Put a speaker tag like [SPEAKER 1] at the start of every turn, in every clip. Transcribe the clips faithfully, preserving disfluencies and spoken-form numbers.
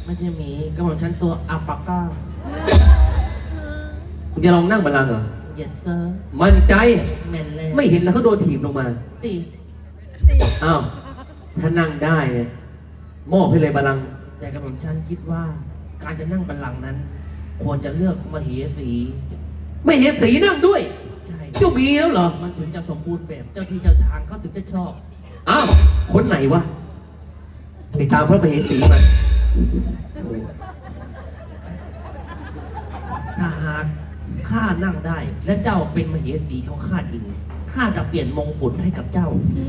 [SPEAKER 1] ไม่ใช่หมีก็ของฉันตัวอัปปาก้า
[SPEAKER 2] มึงจะลองนั่งบัลลังก์เหรอ
[SPEAKER 1] yes sir
[SPEAKER 2] มั่นใจ
[SPEAKER 1] แมนเลย
[SPEAKER 2] ไม่เห็นแล้วเขาโดนถีบลงมา
[SPEAKER 1] ติด
[SPEAKER 2] อ้าวถ้านั่งได้เนี่ยมอบให้เลยบัลลังก์
[SPEAKER 1] แต่กับผมฉันคิดว่าการจะนั่งบัลลังก์นั้น ควรจะเลือกมเหสี
[SPEAKER 2] ไม่เห็นสีนั่งด้วย
[SPEAKER 1] ใช่
[SPEAKER 2] เจ้ามีแล้วเหรอ
[SPEAKER 1] มันถึงจะสมบูรณ์แบบเจ้าที่เจ้าทางเขาถึงจะชอบ
[SPEAKER 2] อ้าวคนไหนวะไปตามพระมเหสีมา
[SPEAKER 1] ถ้าหากข้านั่งได้และเจ้าเป็นมเหสีของข้าจริงข้าจะเปลี่ยนมงกุฎให้กับเจ้า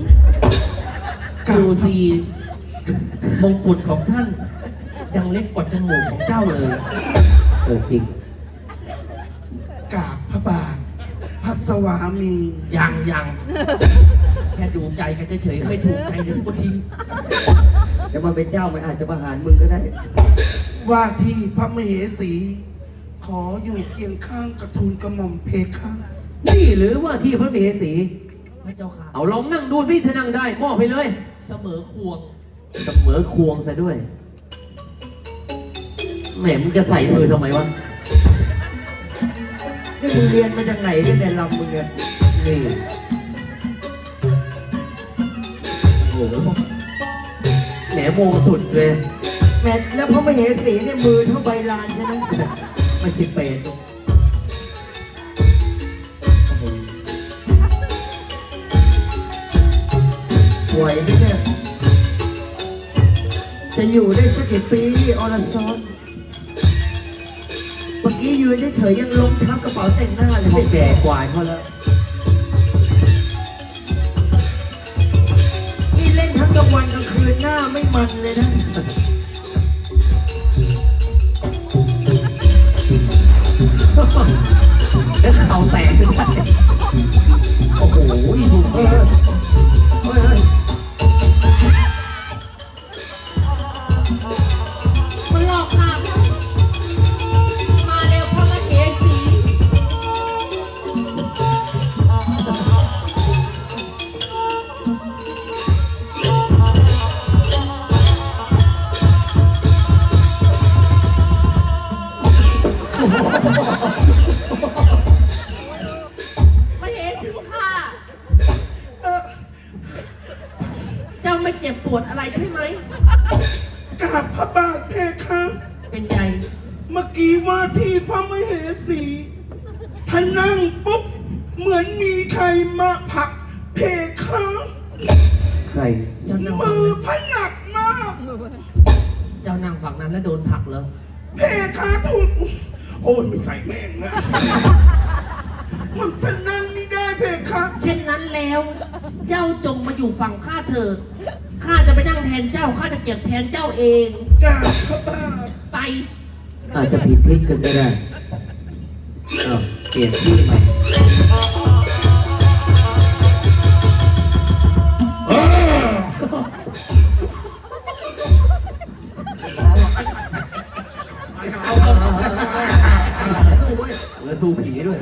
[SPEAKER 1] ดูสิมงกุฎของท่านยังเล็กกว่าจมูกของเจ้าเลย
[SPEAKER 2] เออจริง
[SPEAKER 3] กราบพระบาทพระสวามี
[SPEAKER 1] ยังยังแค่ดูใจกันเฉยๆไม่ถูกใจเดี๋ยวกูทิ้ง
[SPEAKER 2] จะมาเป็นเจ้ามันอาจจะประหารมึงก็ได้
[SPEAKER 3] ว่าที่พระมเหสีขออยู่เคียงข้างกระทูลกระหม่อมเพคะ
[SPEAKER 2] นี่หรือว่าที่พระมเหสี
[SPEAKER 1] พระเจ้าค่ะ
[SPEAKER 2] เอาลองนั่งดูสิถ้านั่งได้มอบไปเลย
[SPEAKER 1] เสมอควง
[SPEAKER 2] เสมอควงซะด้วยแหมมึงจะใส่มือทำไมวะนี่มึงเรียนมาจากไหนเนี่ยในลำมึงเนี่ยนี่โอ้โหแหมโมสุดเลยแหมแล้วพระมเหสีเนี่ยมือเท่าใบลานใช่ไหมไม่คิดเป็นไหวไหมเนี่ยจะอยู่ได้สักกี่ปีอรซอนเมื่อกี้ยืนเฉยๆยังล้มทับกระเป๋าแต่งหน้าเลยไม่แก่กว่าเขาแล้วนี่เล่นทั้งกลางวันกลางคืนหน้าไม่มันเลยนะแล้วเขาแตกขึ้นไปโอ้โหถูกเออเฮ้ย
[SPEAKER 1] มันหลอกค่ะมาเร็วพ่อมาเห็นผีมาเห็นสิค่ะเจ้าไม่เจ็บปวดอะไรใช่ไหม
[SPEAKER 3] กราบพระบาทเพคะ
[SPEAKER 1] เป็นไง
[SPEAKER 3] เมื่อกี้ว่าที่พระมเหสีท่านนั่งปุ๊บเหมือนมีใครมาผลักเพคะ
[SPEAKER 2] ใคร
[SPEAKER 3] มือพนักมาก
[SPEAKER 1] เจ้านั่งฝั่งนั้นแล้วโดนผลักเลย
[SPEAKER 3] เพคะถูกโอ้ยไม่ใส่แม่งนะมันจะนั่งไม่ได้เพคะ
[SPEAKER 1] เช่นนั้นแล้วเจ้าจงมาอยู่ฝั่งข้าเถิดข้าจะไปนั่งแทนเจ้าข้าจะเก็บแทนเจ้าเอง
[SPEAKER 3] กราบพระบาท
[SPEAKER 1] ไป
[SPEAKER 2] อาจจะผิดทิศกันก็ได้เออเปลี่ยนที่ใหม่แล้วสู้ผีด้วย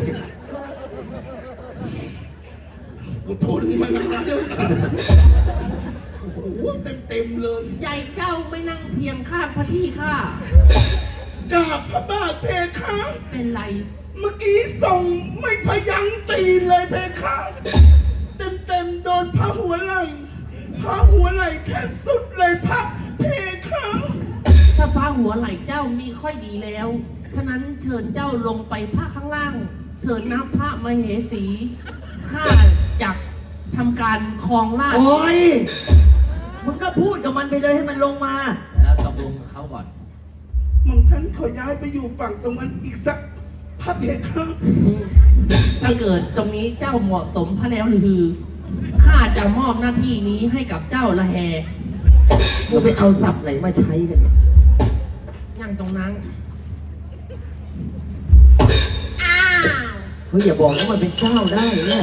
[SPEAKER 3] กูทนมันแล้วโอ้โหเต็มเต็มเลย
[SPEAKER 1] ใหญ่เจ้าไม่นั่งเทียงข้างพระที่ข้
[SPEAKER 3] ากราบพระบาทเพคะ
[SPEAKER 1] เป็นไร
[SPEAKER 3] เมื่อกี้ส่งไม่พยั้งตีเลยเพคะเต็มเต็มโดนพระหัวไหล่พระหัวไหล่แทบสุดเลยพระเพคะ
[SPEAKER 1] ถ้าพระหัวไหล่เจ้ามีค่อยดีแล้วฉะนั้นเชิญเจ้าลงไปพระข้างล่างเถิดน้ำพระมเหสีข้าจักทำการครองราช
[SPEAKER 2] โอ้ยมึงก็พูดกับมันไปเลยให้มันลงมา
[SPEAKER 1] แล้วตกลงกับเขาก่อน
[SPEAKER 3] หม่อมฉันขอย้ายไปอยู่ฝั่งตรงนั้นอีกสักพระเพคะ
[SPEAKER 1] ถ้าเกิดตรงนี้เจ้าเหมาะสมพระแล้วหรือข้าจะมอบหน้าที่นี้ให้กับเจ้าละแฮ
[SPEAKER 2] มึงไปเอาศัพท์ไหนมาใช้กันเนี่ย
[SPEAKER 1] นั่งตรงนั้น
[SPEAKER 2] เฮ้ยอย่าบอกว่ามันเป็นเจ้าได้เนี่ย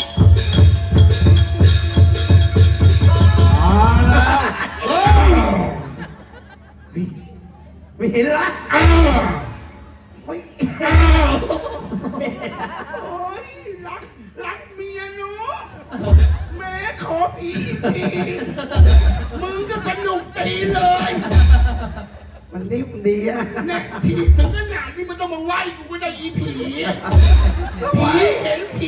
[SPEAKER 2] ไม่เห็นละ
[SPEAKER 3] ไม่โอ้ยรักรักเมียเนาะแม่ขอผีทีมึงก็สนุกตีเลย
[SPEAKER 2] มันนิ่มดีอะ
[SPEAKER 3] เนี่ยที่ถึงขนาดนี้มันต้องมาไหว้กูก็ได้อีผีผีเห็นผี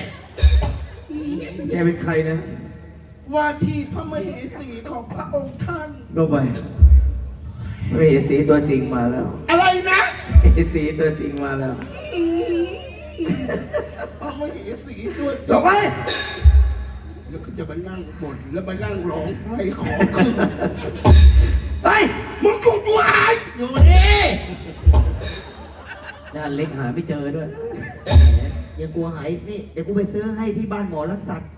[SPEAKER 2] แกเป็นใครนะ
[SPEAKER 3] ว่าที่พระมเหสีของพระองค์ท่าน
[SPEAKER 2] ลงไปไม่เห็นสีตัวจริงมาแล้ว
[SPEAKER 3] อะไรนะ
[SPEAKER 2] เห็นสีตัวจริงมาแล้ว
[SPEAKER 3] พระมเหสีด้วย
[SPEAKER 2] ลงไป
[SPEAKER 3] แล้วก็จะมานั่งบ่นแล้วมานั่งร้องไห้ขอคืน
[SPEAKER 2] ไป
[SPEAKER 3] มึงกูตัวหาย
[SPEAKER 1] อยู่นี่
[SPEAKER 4] ด้านเล็กหาไม่เจอด้วย
[SPEAKER 2] อย่ากลัวหายนี่เดี๋ยวกูไปซื้อให้ที่บ้านหมอรักสัตว์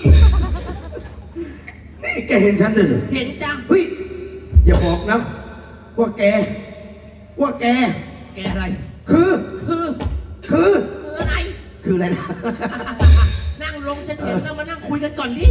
[SPEAKER 2] นี่แกเห็นฉันเลยเหรอ
[SPEAKER 1] เห็นจัง
[SPEAKER 2] เฮ้ยอย่าบอกนะว่าแก ว่าแก
[SPEAKER 1] แกอะไร
[SPEAKER 2] คือ
[SPEAKER 1] คือ
[SPEAKER 2] คือ
[SPEAKER 1] คืออะไร
[SPEAKER 2] คืออะไรนะ
[SPEAKER 1] นั่งลงฉันเห็นแล้วมานั่งคุยกันก่อนดิ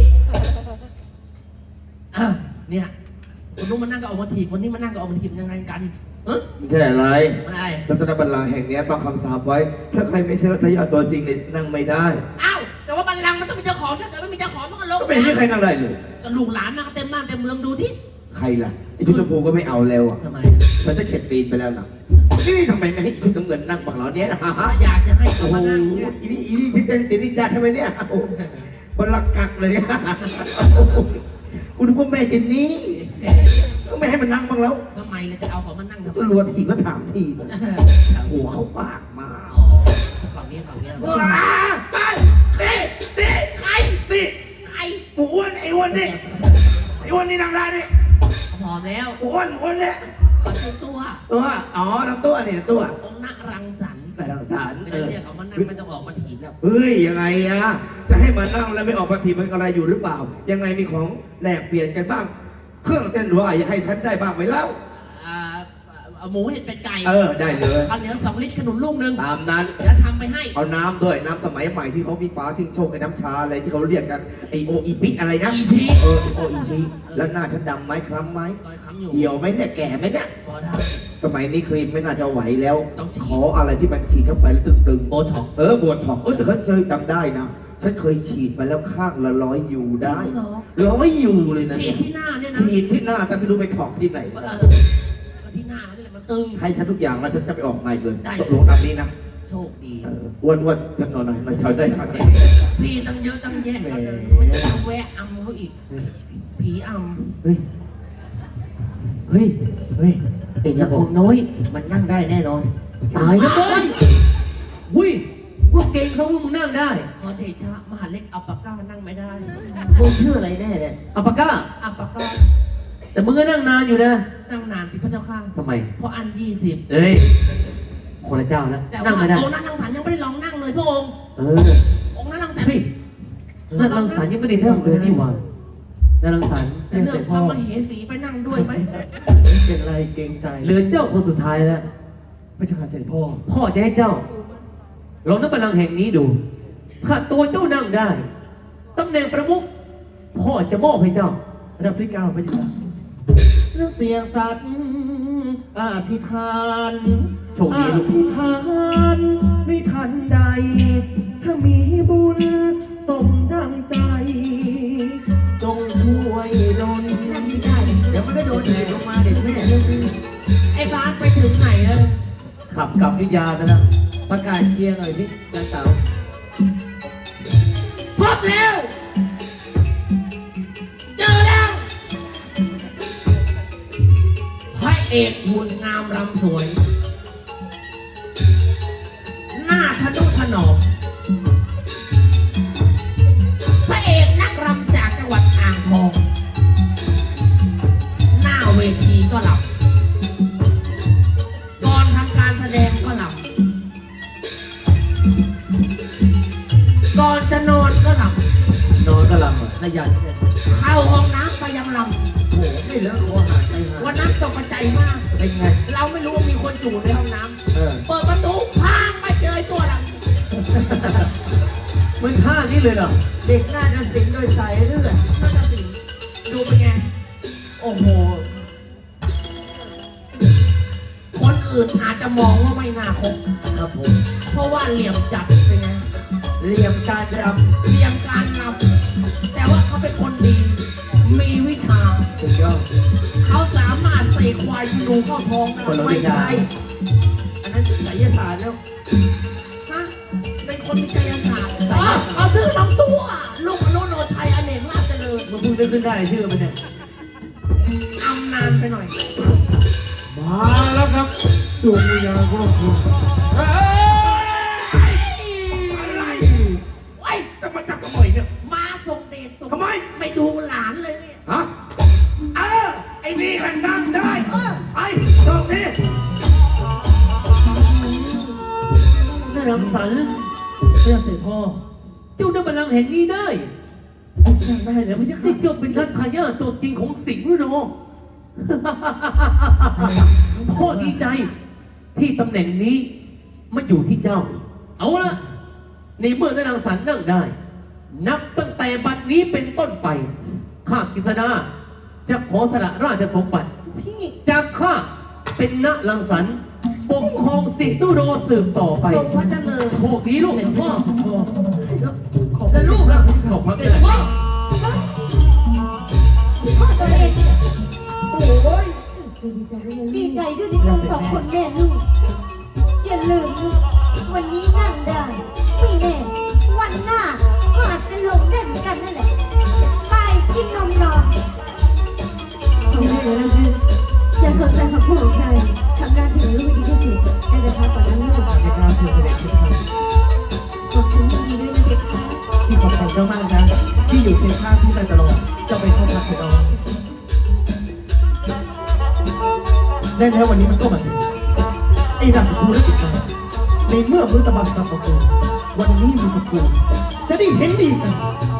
[SPEAKER 1] อ่ะเนี่ยคนนู้นมานั่งก็เอามาถีบคนนี้มานั่งก็เอามาถีบยังไงกันเฮ้ย
[SPEAKER 2] ไม่ใช่อะไร
[SPEAKER 1] อะไร
[SPEAKER 2] รัตนบัลลังก์แห่งนี้ต้องคำสาปไว้ ถ้าใครไม่ใช่รัตยาตัวจริงเนี่ยนั่งไม่ได้
[SPEAKER 1] อ้าวแต่ว่าบัลลังก์มันต้องมีเจ้าของถ้าเกิดไม่มีเจ้าของมันก็ลง
[SPEAKER 2] ก็ไม่เห็นมีใครนั่งได้เลย
[SPEAKER 1] ก็ลูกหลานนั่งเต็มบ้านเต็มเมืองดูที่
[SPEAKER 2] ใครล่ะไอชุดชมพูก็ไม่เอาแล้วอ่ะ
[SPEAKER 1] ทำไม
[SPEAKER 2] มันจะเข็ดปีนไปแล้วนะนี่ทำไมไม่ให้ชุดน้ำเงินนั่งบังเราเนี่ยนะฮะ
[SPEAKER 1] อยากจะให้
[SPEAKER 2] โอ้
[SPEAKER 1] เขา
[SPEAKER 2] โห
[SPEAKER 1] มานั่งเนี่ย
[SPEAKER 2] อีนี่อีนี่ที่เต้นติดนิจาใช่ไหมเนี่ยโอ้โหบนหลักกักเลยกูนึกว่าแม่เจนนี่ก็ไม่ให้มันนั่งบ้างแล้ว
[SPEAKER 1] ทำไมเราจะเอาเขามานั่งทำไม
[SPEAKER 2] ก็รัวทีก็ถามทีหัวเขาฝากมา
[SPEAKER 1] อ๋อฝั่งนี้ฝั่งนี้
[SPEAKER 2] ว้าไปนี่นี่
[SPEAKER 1] ใคร
[SPEAKER 2] นี่
[SPEAKER 1] ใคร
[SPEAKER 2] หมูอ้วนไอ้อ้วนนี่ไอ้อ้วนนี่นั่งได้นี่
[SPEAKER 1] หอมแล้ว
[SPEAKER 2] หมูอ้วนหมูอ้วนเนี่ย
[SPEAKER 1] ขอชื่อตัว
[SPEAKER 2] ตัวอ๋อน้ำตัวนี่ตัว
[SPEAKER 1] องค์นักรังสรรค์
[SPEAKER 2] แต่ทางสาร
[SPEAKER 1] ไม่
[SPEAKER 2] เอ
[SPEAKER 1] ได้
[SPEAKER 2] อ
[SPEAKER 1] เรียกเขามานั่งไม่ต้องออกมาถีบแล้ว
[SPEAKER 2] เฮ้ยยังไงอะจะให้มานั่งแล้วไม่ออกมาทีมันอะไรอยู่หรือเปล่า ยังไงมีของแลกเปลี่ยนกันบ้าง เครื่องเส้นหรืออะไรให้ฉันได้บ้างไหมเล่า
[SPEAKER 1] อ่าเอาหมูเห็ดเป็ดไก่
[SPEAKER 2] เออได้เลย
[SPEAKER 1] ข้าวเหนียวสองลิตรขนมลูกหนึ่ง
[SPEAKER 2] ตามนั้น
[SPEAKER 1] เดี๋ยวทำไปให้
[SPEAKER 2] เอาน้ำด้วยน้ำสมัยใหม่ที่เขามีฟ้าชิงโชคไอ้น้ำชาอะไรที่เขาเรียกกันไอโออีปิอะไรนะ
[SPEAKER 1] อีชี
[SPEAKER 2] เออโออีชีแล้วหน้าฉันดำไหมคล้ำไหม
[SPEAKER 1] รอยค้ำอยู่
[SPEAKER 2] เหี่ยวไหมเนี่ยแก่ไหมเนี่ย
[SPEAKER 1] พอได้
[SPEAKER 2] สมัยนี้ครีมไม่น่าจะไหวแล้ว
[SPEAKER 1] ต้องฉีด
[SPEAKER 2] ขออะไรที่มันฉีดเข้าไปแล้วตึงๆ
[SPEAKER 1] โบท็อกซ์
[SPEAKER 2] เออโบท็อกซ์เออแต่ฉันเคยจำได้นะฉันเคยฉีดมาแล้วข้างละร้อยยูได้ร้อยยูเลยนะ
[SPEAKER 1] ฉี
[SPEAKER 2] เนี่
[SPEAKER 1] ด
[SPEAKER 2] ย
[SPEAKER 1] ที่หน้าเนี่ยนะ
[SPEAKER 2] ฉีดที่หน้าแต่ไม่รู้ไปถอกที่ไหน
[SPEAKER 1] เออก็ที่หน้าเขาเนี่ยแหละมันตึง
[SPEAKER 2] ให้ฉันทุกอย่างแล้วฉันจะไปออกใหม่เลย
[SPEAKER 1] ได้
[SPEAKER 2] ตกลงตามนี้นะ
[SPEAKER 1] โชคดี
[SPEAKER 2] เอออ้วนอ้วนฉันนอนหน่อยหน่อยเฉยได้ครับ
[SPEAKER 1] พี่ตั้งเยอะตั้งแยะ
[SPEAKER 2] แหม
[SPEAKER 1] มันจะแวะอำเขาอีก ผีอำ
[SPEAKER 4] เฮ้ย เฮ้ย
[SPEAKER 2] เฮ้ย
[SPEAKER 4] เอ็งอย่าบอกน้อย มันนั่งได้แน่นอน ตายแล้วเว้ยหุ้ยพวกเก่งเขาว่ามึงนั่งได้
[SPEAKER 1] ขอเดชะมหาเล็กอัปปะก้านั่งไม่ได้
[SPEAKER 4] มึงชื่ออะไรแน่เนี่ยอัปปะก้า
[SPEAKER 1] อัปปะก้า
[SPEAKER 4] แต่มึงก็นั่งนานอยู่นะ
[SPEAKER 1] นั่งนานที่พระเจ้าข้าง
[SPEAKER 4] ทำไม
[SPEAKER 1] เพราะอันยี่สิบ
[SPEAKER 4] เอ้ย คนละเจ้าแล้ว
[SPEAKER 1] แต่
[SPEAKER 4] นั่
[SPEAKER 1] ว่าง
[SPEAKER 4] ไม่ได้
[SPEAKER 1] องค์นั้นรังสรรค์ยังไม่ได้ลองนั่งเลยพระองค์
[SPEAKER 4] เออ
[SPEAKER 1] องค์นั้นรังสรรค์
[SPEAKER 4] เฮ้ยนั่นรังสรรค์ยังไม่ได้เริ่มเลยนี่หว่านั่นรังสรรค์
[SPEAKER 1] จะเลือกพระมเหสีไปนั่งด้วยไหม
[SPEAKER 2] เป็นไรเกรงใจ
[SPEAKER 4] เหลือเจ้าคนสุดท้ายแล้ว
[SPEAKER 2] พระเจ้าค่ะเสด็จพ่อ
[SPEAKER 4] พ่อจะให้เจ้าลองนั่งบัลลังก์แห่งนี้ดู ถ้าตัวเจ้านั่งได้ตำแหน่งประมุขพ่อจะมอบให้เจ้า
[SPEAKER 2] รับที่เก้าพระเจ้าค่ะแล้วเสียงสัตว์อธิษฐาน
[SPEAKER 4] โชคดีลูก
[SPEAKER 2] อธิษฐานในทันใด ถ้ามีบุญสมดังใจ จงช่วยดลเดี๋ยวมันก็โดนแหกลงมาเด็กแม่
[SPEAKER 1] ไอ้บาสไปถึงไหนแล้ว
[SPEAKER 4] ขับกลับวิทยาไปแล้ว
[SPEAKER 2] ประกาศเชียร์หน่อยสิจ้าสาว
[SPEAKER 1] พบแล้ว เจอแล้วพระเอกหุ่นงามรำสวย หน้าทะนุถนอมพระเอกนักรำจากจังหวัดอ่างทอง หน้าเวทีก็หลับ ก่อนทำการแสดงก็หลับ ก่อนจะนอนก็หลับ
[SPEAKER 4] นอนก็หลับอ่ะขยันเนี่ย
[SPEAKER 1] เข้าห้องน้ำก็ยังหลับ
[SPEAKER 2] โอ้โหไม่เลิกคอหาใจหา
[SPEAKER 1] วันนั้นตกใจมาก
[SPEAKER 2] เป็นไง
[SPEAKER 1] เราไม่รู้ว่ามีคนอยู่ในห้องน้
[SPEAKER 2] เออ
[SPEAKER 1] ำ เปิดประตูพังไปเจอไอ้ตัวหลัง
[SPEAKER 4] มึงท่านี้เลยเหรอ
[SPEAKER 2] เด็กน่าจะสิงโดยสายเลือด
[SPEAKER 1] นั่นน่ะสิดูเป็นไง โอ้โห คนอื่นอาจจะมองว่าไม่น่าคบ
[SPEAKER 2] ครับผม
[SPEAKER 1] เพราะว่าเหลี่ยมจัดเป็นไง
[SPEAKER 2] เหลี่ยมการร
[SPEAKER 1] เหลี่ยมการนำแต่ว่าเขาเป็นคนดี มีวิชา
[SPEAKER 2] ำสุดยอด
[SPEAKER 1] เขาสามารถเสกควายธนูเข้าท้องได้
[SPEAKER 4] คนละวิ
[SPEAKER 1] ไม่
[SPEAKER 4] ชา
[SPEAKER 1] ใช่อันนั้นไสยศาสตร์แล้วฮะเป็นคนมีไสยศาสตร์อ๋อเอาชื่อลำตัวลูกอนุโนไทยอเนกราชเจริญ
[SPEAKER 4] มันเพิ่งนึกขึ้นได้ชื่อมันเนี่ย
[SPEAKER 1] อำนานไปหน่อย
[SPEAKER 3] มาแล้วครับดวงวิญญาณของคุณเฮ้ยอะไรไอ้ยจะมาจับกระหม่อยเนี่ย
[SPEAKER 1] มาส่งเดชส่ง
[SPEAKER 3] ทำไม
[SPEAKER 1] ไม่ดูหลานเลยเนี่ย
[SPEAKER 3] ฮะเออไอ้นี่กันนั่งได้ไอ้ตรงนี้
[SPEAKER 4] น่ารังสรรค์
[SPEAKER 2] เรื่องเสด็จพ่อ
[SPEAKER 4] เจ้าได้บัลลังก์แห่งนี้ได้
[SPEAKER 2] นั่งได้แล้วไม่ใช่ค่ะ
[SPEAKER 4] ที่เจ้าเป็นรัชทายาทตัวจริงของสิงห์หรือโน พ่อดีใจที่ตำแหน่งนี้มาอยู่ที่เจ้า เอาละในเมื่อได้รังสรรค์นั่งได้ นับตั้งแต่บัดนี้เป็นต้นไป ข้ากฤษณาจะขอสละราชสมบัติ
[SPEAKER 1] พี่
[SPEAKER 4] จากข้าเป็นณรังสรรค์ปกครองสิงห์ตุโรสืบต่อไป
[SPEAKER 1] ทรงพระเจริญ
[SPEAKER 4] โชคดีลูกพ่อ
[SPEAKER 2] พ่อ
[SPEAKER 1] แล้วลูกอะ
[SPEAKER 4] ขอบพระ
[SPEAKER 1] เส
[SPEAKER 4] คุ
[SPEAKER 1] ด็
[SPEAKER 4] ณ
[SPEAKER 1] จพ่อ
[SPEAKER 5] พ่อตัวเอง
[SPEAKER 2] โอ้ย
[SPEAKER 5] ดีใจด้วยที่ทั้งสองคนแม่ลูก อย่าลืมนะวันนี้นั่งได้ ไม่แน่ วันหน้าก็อาจจะลงได้เหมือนกันนั่นแหละตายกินนมนอนไม่ได้เลยนะพี่อย่าสนใจคำพูดของใครทำหน้าที่ของลูกให้ดีที่สุดให้เดินทางก่อนนะลูก
[SPEAKER 2] ในการเสด็จที่ท
[SPEAKER 5] ขอบคุณดีด้วยนะเด็กค่ะ
[SPEAKER 2] ำที่ขอบคุณเจ้ามากนะที่อยู่เคียงข้างพี่มาตลอดเจะไปเข้าพักเถอะน้องได้แล้ววันนี้มันก็มาถึงไอ้ราชคูและติดมาในเมื่อมฤตบัตรสับปะกูวันนี้มีกับกูจะได้เห็นดีกัน